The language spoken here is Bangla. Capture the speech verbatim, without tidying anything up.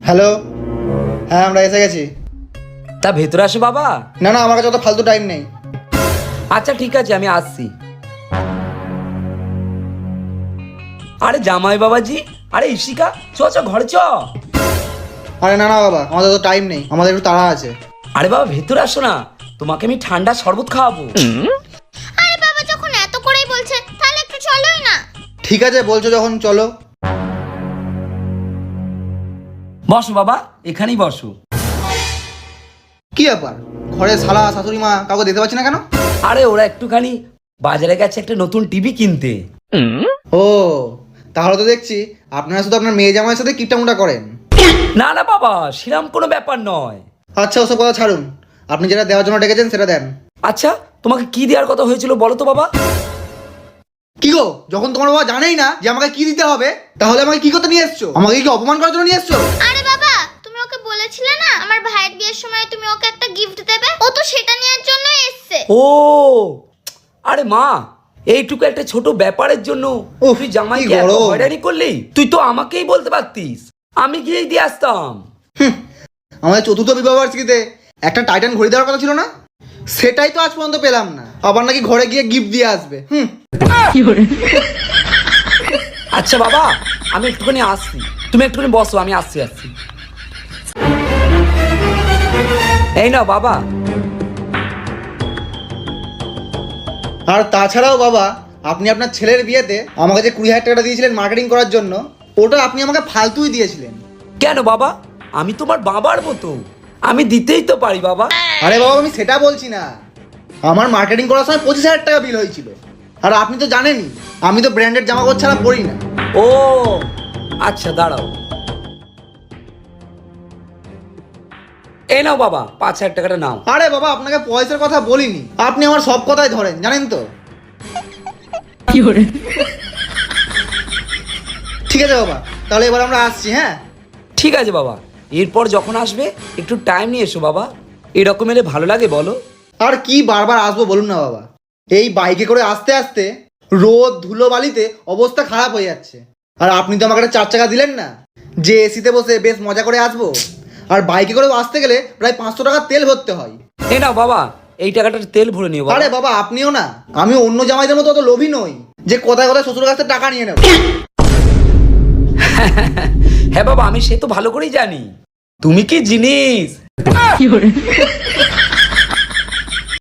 হ্যালো, হ্যাঁ আমরা এসে গেছি। তা ভেতরে আসো বাবা। না না, আমার কাছে অত ফালতু টাইম নেই। আচ্ছা ঠিক আছে, আমি আসছি। আরে জামাই বাবাজি, আরে ইশিকা, চ চ ঘরে চ। আরে না না বাবা, আমাদের তো টাইম নেই, আমাদের একটু তাড়া আছে। আরে বাবা ভেতরে আসো না, তোমাকে আমি ঠান্ডা শরবত খাওয়াবো। আরে বাবা যখন এত করেই বলছে তাহলে একটু চলোই না। ঠিক আছে বলছো যখন, চলো। বসো বাবা, এখানেই বসো। কি ব্যাপার, ঘরে শালা শাশুড়ি মা কাউকে দিতে পারছি না কেন? আরে ওরা একটুখানি বাজারে গেছে একটা নতুন টিভি কিনতে। ও, তাহলে তো দেখছি আপনারা শুধু আপনার মেয়ে জামাইয়ের সাথে কিপটামুটা করেন। না না বাবা, সেরকম কোনো ব্যাপার নয়। আচ্ছা ওসব কথা ছাড়ুন, আপনি যেটা দেওয়ার জন্য ডেকেছেন সেটা দেন। আচ্ছা তোমাকে কি দেওয়ার কথা হয়েছিল বলো তো বাবা। কি গো, যখন তোমার বাবা জানেই না যে আমাকে কি দিতে হবে, তাহলে আমাকে কি করতে নিয়ে এসছো? আমাকে কি অপমান করার জন্য নিয়ে এসছো? আরে বাবা তুমি ওকে বলেছিলে না আমার ভাইয়ের বিয়ের সময় তুমি ওকে একটা গিফট দেবে, ও তো সেটা নেওয়ার জন্যই এসেছে। ও আরে মা, এইটুকু একটা ছোট ব্যাপারের জন্য উফ, তুই জামাইকে কি এত গরম। হয়রানি করলি? তুই তো আমাকেই বলতে পারতিস, আমি গিয়েই দিয়ে আসতাম। হুম, আমাদের চতুর্থ বিবাহ বার্ষিকীতে একটা টাইটান ঘড়ি দেওয়ার কথা ছিল না? সেটাই তো আজ পর্যন্ত পেলাম না, আবার নাকি ঘরে গিয়ে গিফট দিয়ে আসবে। হুম। আচ্ছা বাবা, আমি একটুখানি আসছি, তুমি একটুখানি বসো, আমি আসছি আসছি। এই নাও বাবা। আর তাছাড়াও বাবা, আপনি আপনার ছেলের বিয়েতে আমাকে যে কুড়ি হাজার টাকাটা দিয়েছিলেন মার্কেটিং করার জন্য, ওটা আপনি আমাকে ফালতুই দিয়েছিলেন। কেন বাবা, আমি তোমার বাবার মতো, আমি দিতেই তো পারি বাবা। আরে বাবা, আমি সেটা বলছি না, আমার মার্কেটিং করার সময় পঁচিশ হাজার টাকা বিল হয়েছিল। আর আপনি তো জানেনই আমি তো ব্র্যান্ডেড জামা কাপড় ছাড়া পরি না। ও আচ্ছা দাঁড়াও, এই নাও বাবা পাঁচ হাজার টাকাটা নাও। আরে বাবা, আপনাকে পয়সার কথা বলিনি, আপনি আমার সব কথাই ধরেন জানেন তো। ঠিক আছে বাবা, তাহলে এবার আমরা আসছি। হ্যাঁ ঠিক আছে বাবা, এরপর যখন আসবে একটু টাইম নিয়ে এসো বাবা, এরকম এলে ভালো লাগে বলো। আর কি বারবার আসবো বলুন না বাবা, এই বাইকে করে আসতে আসতে রোদ ধুলো বালিতে অবস্থা খারাপ হয়ে যাচ্ছে। আর আপনি তো আমাকে একটা চার চাকা দিলেন না যে এসিতে বসে বেশ মজা করে আসবো। আর বাইকে করে আসতে গেলে প্রায় পাঁচশো টাকা তেল ভরতে হয়। এই নাও বাবা, এই টাকাটা তেল ভরে নিও বাবা। আরে বাবা আপনিও না, আমি অন্য জামাইদের মতো অত লোভী নই যে কোথায় কোথায় শ্বশুর কাছ থেকে টাকা নিয়ে নেব। হ্যাঁ বাবা, আমি সে তো ভালো করেই জানি তুমি কি জিনিস।